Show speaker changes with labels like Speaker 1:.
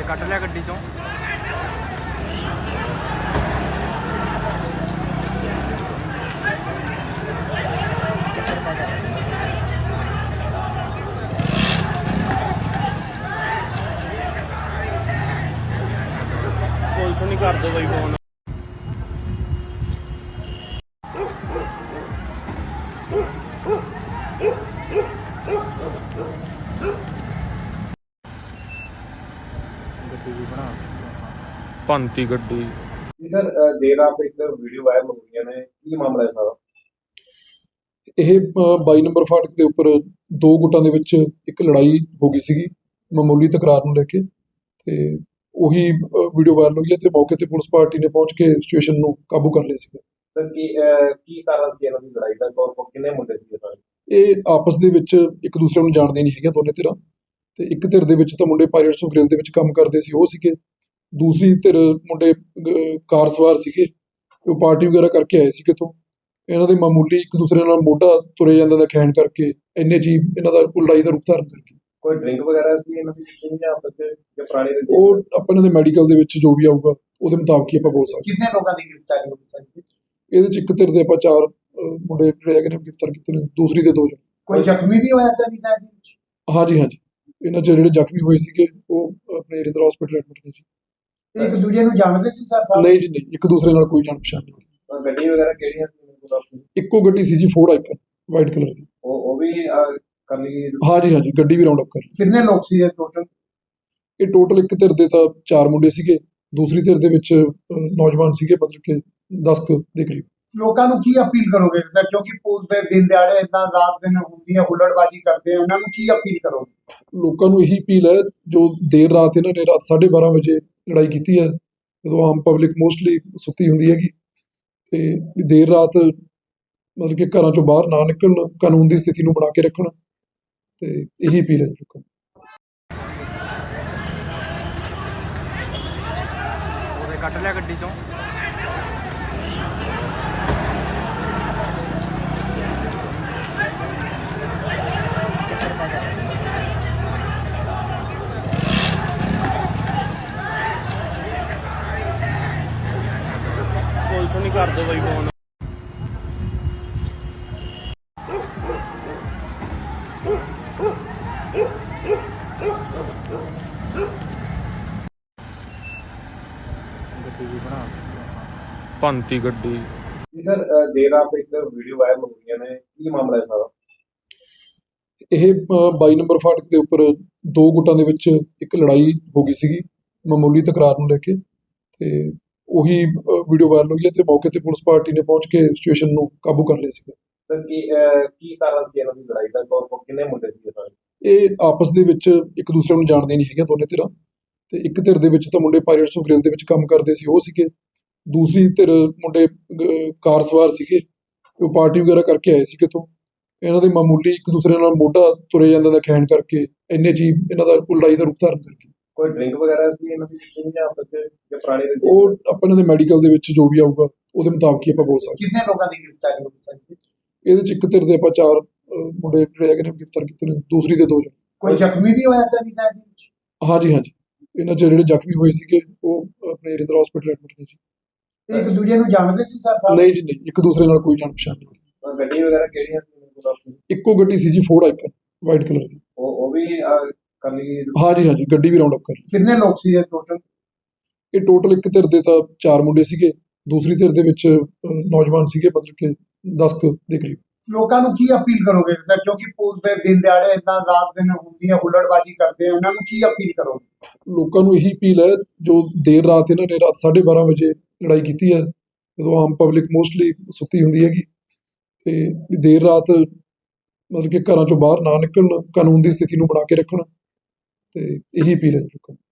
Speaker 1: ਕੱਢ ਲਿਆ ਗੱਡੀ ਚੋਂ। ਪੁਲਿਸ ਨਹੀਂ ਕਰਦੇ ਬਈ ਫੋਨ। ਭੰਤੀ ਗੱਡੀ
Speaker 2: ਜੀ ਸਰ, ਦੇਰ ਰਾਤ ਇੱਕ ਵੀਡੀਓ ਵਾਇਰਲ ਹੋ ਗਈਆਂ ਨੇ, ਕੀ ਮਾਮਲਾ ਹੈ ਸਾਰਾ?
Speaker 3: ਇਹ 22 ਨੰਬਰ ਫਾਟਕ ਦੇ ਉੱਪਰ ਦੋ ਗੁੱਟਾਂ ਦੇ ਵਿੱਚ ਇੱਕ ਲੜਾਈ ਹੋ ਗਈ ਸੀਗੀ ਮਾਮੂਲੀ ਤਕਰਾਰ ਨੂੰ ਲੈ ਕੇ, ਤੇ ਉਹੀ ਵੀਡੀਓ ਵਾਇਰਲ ਹੋਈ ਹੈ ਤੇ ਮੌਕੇ ਤੇ ਪੁਲਿਸ ਪਾਰਟੀ ਨੇ ਪਹੁੰਚ ਕੇ ਸਿਚੁਏਸ਼ਨ ਨੂੰ ਕਾਬੂ ਕਰ ਲਿਆ ਸੀਗਾ।
Speaker 2: ਸਰ ਕੀ ਕਾਰਨ ਸੀ ਇਹਨਾਂ ਦੀ ਲੜਾਈ ਦਾ? ਕਿੰਨੇ ਮੁੰਡੇ ਸੀ ਸਾਰੇ?
Speaker 3: ਇਹ ਆਪਸ ਦੇ ਵਿੱਚ ਇੱਕ ਦੂਸਰੇ ਨੂੰ ਜਾਣਦੇ ਨਹੀਂ ਹੈਗੇ ਦੋਨੇ ਧਿਰਾਂ, ਤੇ ਇੱਕ ਧਿਰ ਦੇ ਵਿੱਚ ਤਾਂ ਮੁੰਡੇ ਪਾਇਰਟਸ ਆਫ ਗ੍ਰਿਲ ਦੇ ਵਿੱਚ ਕੰਮ ਕਰਦੇ ਸੀ ਉਹ ਸੀਗੇ, ਦੂਸਰੀ ਧਿਰ ਮੁੰਡੇ ਕਾਰ ਸਵਾਰ ਸੀਗੇ, ਉਹ ਪਾਰਟੀ ਵਗੈਰਾ ਕਰਕੇ ਆਏ ਸੀ ਕਿਤੋਂ। ਇਹਨਾਂ ਦੇ ਮਾਮੂਲੀ ਇੱਕ ਦੂਸਰੇ ਨਾਲ ਮੋਢਾ ਤੁਰੇ ਜਾਂਦਾ ਦਾ ਖੈਣ ਕਰਕੇ ਇੰਨੇ ਜੀ ਇਹਨਾਂ ਦਾ ਲੜਾਈ ਦਾ ਰੂਪ ਧਾਰਨ ਕਰ ਗਈ।
Speaker 2: ਕੋਈ ਡਰਿੰਕ ਵਗੈਰਾ ਸੀ ਇਹਨਾਂ ਦੀ ਜਾਂ ਆਪਸ ਵਿੱਚ ਜਾਂ ਪੁਰਾਣੀ ਰੰਜਿਸ਼?
Speaker 3: ਉਹ ਆਪਾਂ ਇਹਨਾਂ ਦੇ ਮੈਡੀਕਲ ਦੇ ਵਿੱਚ ਜੋ ਵੀ ਆਊਗਾ ਉਹਦੇ ਮੁਤਾਬਕ ਹੀ ਆਪਾਂ ਬੋਲ ਸਕਦੇ।
Speaker 4: ਕਿੰਨੇ ਲੋਕਾਂ ਦੀ ਗ੍ਰਿਫਤਾਰੀ ਹੋਈ ਸਰ?
Speaker 3: ਇਹਦੇ ਚ ਇੱਕ ਧਿਰ ਦੇ ਆਪਾਂ 4 ਮੁੰਡੇ ਜਿਹੜੇ ਹੈਗੇ ਨੇ ਗ੍ਰਿਫਤਾਰ ਕੀਤੇ ਨੇ, ਦੂਸਰੀ ਦੇ 2 ਜਣੇ।
Speaker 4: ਕੋਈ ਜ਼ਖਮੀ ਵੀ ਹੋਇਆ ਸਰ ਇਹਦੇ ਵਿੱਚ?
Speaker 3: ਹਾਂਜੀ ਇਹਨਾਂ ਚ ਜਿਹੜੇ ਜ਼ਖਮੀ ਹੋਏ ਸੀਗੇ ਉਹ ਆਪਣੇ ਰਿੰਦਰ ਹਸਪੀਟਲ ਐਡਮਿਟ ਨੇ ਜੀ।
Speaker 4: ਇੱਕ ਦੂਜੇ ਨੂੰ ਜਾਣਦੇ ਸੀ ਸਰ?
Speaker 3: ਨਹੀਂ ਜੀ ਨਹੀਂ, ਇੱਕ ਦੂਸਰੇ ਨਾਲ ਕੋਈ ਜਾਣ ਪਛਾਣ ਨਹੀਂ।
Speaker 2: ਗੱਡੀ ਵਗੈਰਾ ਕਿਹੜੀਆਂ ਸੀ?
Speaker 3: ਇੱਕੋ ਗੱਡੀ ਸੀ ਜੀ, ਫੋਰਡ ਆਈਕਨ ਵਾਈਟ ਕਲਰ ਦੀ।
Speaker 2: ਉਹ ਵੀ ਕਰ ਲਈ?
Speaker 3: ਹਾਂਜੀ ਗੱਡੀ ਵੀ ਰਾਉਂਡ ਅਪ ਕਰ ਲਈ।
Speaker 4: ਕਿੰਨੇ ਲੋਕ ਸੀ ਇਹ ਟੋਟਲ?
Speaker 3: ਇਹ ਟੋਟਲ ਇੱਕ ਧਿਰ ਦੇ ਤਾਂ 4 ਮੁੰਡੇ ਸੀਗੇ, ਦੂਸਰੀ ਧਿਰ ਦੇ ਵਿੱਚ ਨੌਜਵਾਨ ਸੀਗੇ, ਮਤਲਬ ਕਿ 10 ਦੇ ਕਰੀਬ।
Speaker 4: ਲੋਕਾਂ ਨੂੰ ਕੀ ਅਪੀਲ ਕਰੋਗੇ ਸਰ, ਕਿਉਂਕਿ ਪੁਲਿਸ ਦੇ ਦਿਨ ਦਿਹਾੜੇ ਇਦਾਂ ਰਾਤ ਦਿਨ ਹੁੰਦੀ ਹੈ ਹੁੱਲੜਬਾਜ਼ੀ ਕਰਦੇ ਆ, ਉਹਨਾਂ ਨੂੰ ਕੀ ਅਪੀਲ ਕਰੋਗੇ?
Speaker 3: ਲੋਕਾਂ ਨੂੰ ਇਹੀ ਅਪੀਲ ਹੈ, ਜੋ ਦੇਰ ਰਾਤ ਇਹਨਾਂ ਨੇ ਰਾਤ 12:30 ਵਜੇ ਲੜਾਈ ਕੀਤੀ ਹੈ, ਜਦੋਂ ਆਮ ਪਬਲਿਕ ਮੋਸਟਲੀ ਸੁੱਤੀ ਹੁੰਦੀ ਹੈਗੀ, ਤੇ ਦੇਰ ਰਾਤ ਮਤਲਬ ਕਿ ਘਰਾਂ ਚੋਂ ਬਾਹਰ ਨਾ ਨਿਕਲਣ, ਕਾਨੂੰਨ ਦੀ ਸਥਿਤੀ ਨੂੰ ਬਣਾ ਕੇ ਰੱਖਣ, ਤੇ ਇਹੀ ਅਪੀਲ ਹੈ ਲੋਕਾਂ ਨੂੰ।
Speaker 1: ਉਹਦੇ ਕੱਢ ਲਿਆ ਗੱਡੀ ਚੋਂ। ਪੁਲਿਸ ਨਹੀਂ ਕਰਦੇ ਬਈ ਫੋਨ। ਭੰਤੀ ਗੱਡੀ
Speaker 2: ਜੀ ਸਰ, ਦੇਰ ਰਾਤ ਇੱਕ ਵੀਡੀਓ ਵਾਇਰਲ ਹੋ ਗਈਆਂ ਨੇ, ਕੀ ਮਾਮਲਾ ਹੈ ਸਾਰਾ?
Speaker 3: ਇਹ 22 ਨੰਬਰ ਫਾਟਕ ਦੇ ਉੱਪਰ ਦੋ ਗੁੱਟਾਂ ਦੇ ਵਿੱਚ ਇੱਕ ਲੜਾਈ ਹੋ ਗਈ ਸੀਗੀ ਮਾਮੂਲੀ ਤਕਰਾਰ ਨੂੰ ਲੈ ਕੇ, ਤੇ ਉਹੀ ਵੀਡੀਓ ਵਾਇਰਲ ਹੋਈ ਹੈ ਤੇ ਮੌਕੇ ਤੇ ਪੁਲਿਸ ਪਾਰਟੀ ਨੇ ਪਹੁੰਚ ਕੇ ਸਿਚੁਏਸ਼ਨ ਨੂੰ ਕਾਬੂ ਕਰ ਲਿਆ ਸੀਗਾ।
Speaker 2: ਸਰ ਕੀ ਕਾਰਨ ਸੀ ਇਹਨਾਂ ਦੀ ਲੜਾਈ ਦਾ? ਕਿੰਨੇ ਮੁੰਡੇ ਸੀ ਸਾਰੇ?
Speaker 3: ਇਹ ਆਪਸ ਦੇ ਵਿੱਚ ਇੱਕ ਦੂਸਰੇ ਨੂੰ ਜਾਣਦੇ ਨਹੀਂ ਹੈਗੇ ਦੋਨੇ ਧਿਰਾਂ, ਤੇ ਇੱਕ ਧਿਰ ਦੇ ਵਿੱਚ ਤਾਂ ਮੁੰਡੇ ਪਾਇਰਟਸ ਆਫ ਗ੍ਰਿਲ ਦੇ ਵਿੱਚ ਕੰਮ ਕਰਦੇ ਸੀ ਉਹ ਸੀਗੇ, ਦੂਸਰੀ ਧਿਰ ਮੁੰਡੇ ਕਾਰ ਸਵਾਰ ਸੀਗੇ, ਉਹ ਪਾਰਟੀ ਵਗੈਰਾ ਕਰਕੇ ਆਏ ਸੀ ਕਿਤੋਂ। ਇਹਨਾਂ ਦੇ ਮਾਮੂਲੀ ਇੱਕ ਦੂਸਰੇ ਨਾਲ ਮੋਢਾ ਤੁਰੇ ਜਾਂਦਾ ਦਾ ਖੈਣ ਕਰਕੇ ਇੰਨੇ ਜੀ ਇਹਨਾਂ ਦਾ ਲੜਾਈ ਦਾ ਰੂਪ ਧਾਰਨ ਕਰ ਗਈ।
Speaker 2: ਕੋਈ ਡਰਿੰਕ ਵਗੈਰਾ ਸੀ ਇਹਨਾਂ ਦੀ ਜਾਂ ਆਪਸ ਵਿੱਚ ਜਾਂ ਪੁਰਾਣੀ ਰੰਜਿਸ਼?
Speaker 3: ਉਹ ਆਪਾਂ ਇਹਨਾਂ ਦੇ ਮੈਡੀਕਲ ਦੇ ਵਿੱਚ ਜੋ ਵੀ ਆਊਗਾ ਉਹਦੇ ਮੁਤਾਬਕ ਹੀ ਆਪਾਂ ਬੋਲ ਸਕਦੇ।
Speaker 4: ਕਿੰਨੇ ਲੋਕਾਂ ਦੀ ਗ੍ਰਿਫਤਾਰੀ ਹੋਈ ਸਰ?
Speaker 3: ਇਹਦੇ ਚ ਇੱਕ ਧਿਰ ਦੇ ਆਪਾਂ 4 ਮੁੰਡੇ ਜਿਹੜੇ ਹੈਗੇ ਨੇ ਗ੍ਰਿਫਤਾਰ ਕੀਤੇ ਨੇ, ਦੂਸਰੀ ਦੇ 2 ਜਣੇ।
Speaker 4: ਕੋਈ ਜ਼ਖਮੀ ਵੀ ਹੋਇਆ ਸਰ ਇਹਦੇ ਵਿੱਚ?
Speaker 3: ਹਾਂਜੀ ਇਹਨਾਂ ਚ ਜਿਹੜੇ ਜ਼ਖਮੀ ਹੋਏ ਸੀਗੇ ਉਹ ਆਪਣੇ ਰਿੰਦਰ ਹਸਪੀਟਲ ਐਡਮਿਟ ਨੇ ਜੀ।
Speaker 4: ਇੱਕ ਦੂਜੇ ਨੂੰ ਜਾਣਦੇ ਸੀ ਸਰ?
Speaker 3: ਨਹੀਂ ਜੀ ਨਹੀਂ, ਇੱਕ ਦੂਸਰੇ ਨਾਲ ਕੋਈ ਜਾਣ ਪਛਾਣ ਨਹੀਂ।
Speaker 2: ਗੱਡੀ ਵਗੈਰਾ ਕਿਹੜੀਆਂ ਸੀ?
Speaker 3: ਇੱਕੋ ਗੱਡੀ ਸੀ ਜੀ, ਫੋਰਡ ਆਈਕਨ ਵਾਈਟ ਕਲਰ ਦੀ।
Speaker 2: ਉਹ ਵੀ ਕਰ ਲਈ?
Speaker 3: ਹਾਂਜੀ ਗੱਡੀ ਵੀ ਰਾਉਂਡ ਅਪ ਕਰ ਲਈ।
Speaker 4: ਕਿੰਨੇ ਲੋਕ ਸੀ ਇਹ ਟੋਟਲ?
Speaker 3: ਇਹ ਟੋਟਲ ਇੱਕ ਧਿਰ ਦੇ ਤਾਂ 4 ਮੁੰਡੇ ਸੀਗੇ, ਦੂਸਰੀ ਧਿਰ ਦੇ ਵਿੱਚ ਨੌਜਵਾਨ ਸੀਗੇ, ਮਤਲਬ ਕਿ 10 ਦੇ ਕਰੀਬ।
Speaker 4: ਲੋਕਾਂ ਨੂੰ ਕੀ ਅਪੀਲ ਕਰੋਗੇ ਸਰ, ਕਿਉਂਕਿ ਪੁਲਿਸ ਦੇ ਦਿਨ ਦਿਹਾੜੇ ਇਦਾਂ ਰਾਤ ਦਿਨ ਹੁੰਦੀ ਹੈ ਹੁੱਲੜਬਾਜ਼ੀ ਕਰਦੇ ਆ, ਉਹਨਾਂ ਨੂੰ ਕੀ ਅਪੀਲ ਕਰੋਗੇ? ਲੋਕਾਂ
Speaker 3: ਨੂੰ ਇਹੀ ਅਪੀਲ ਹੈ, ਜੋ ਦੇਰ ਰਾਤ ਇਹਨਾਂ ਨੇ ਰਾਤ 12:30 ਵਜੇ ਲੜਾਈ ਕੀਤੀ ਹੈ, ਜਦੋਂ ਆਮ ਪਬਲਿਕ ਮੋਸਟਲੀ ਸੁੱਤੀ ਹੁੰਦੀ ਹੈਗੀ, ਤੇ ਦੇਰ ਰਾਤ ਮਤਲਬ ਕਿ ਘਰਾਂ ਚੋਂ ਬਾਹਰ ਨਾ ਨਿਕਲਣ, ਕਾਨੂੰਨ ਦੀ ਸਥਿਤੀ ਨੂੰ ਬਣਾ ਕੇ ਰੱਖਣ, ਤੇ ਇਹੀ ਅਪੀਲ ਹੈ ਲੋਕਾਂ ਨੂੰ।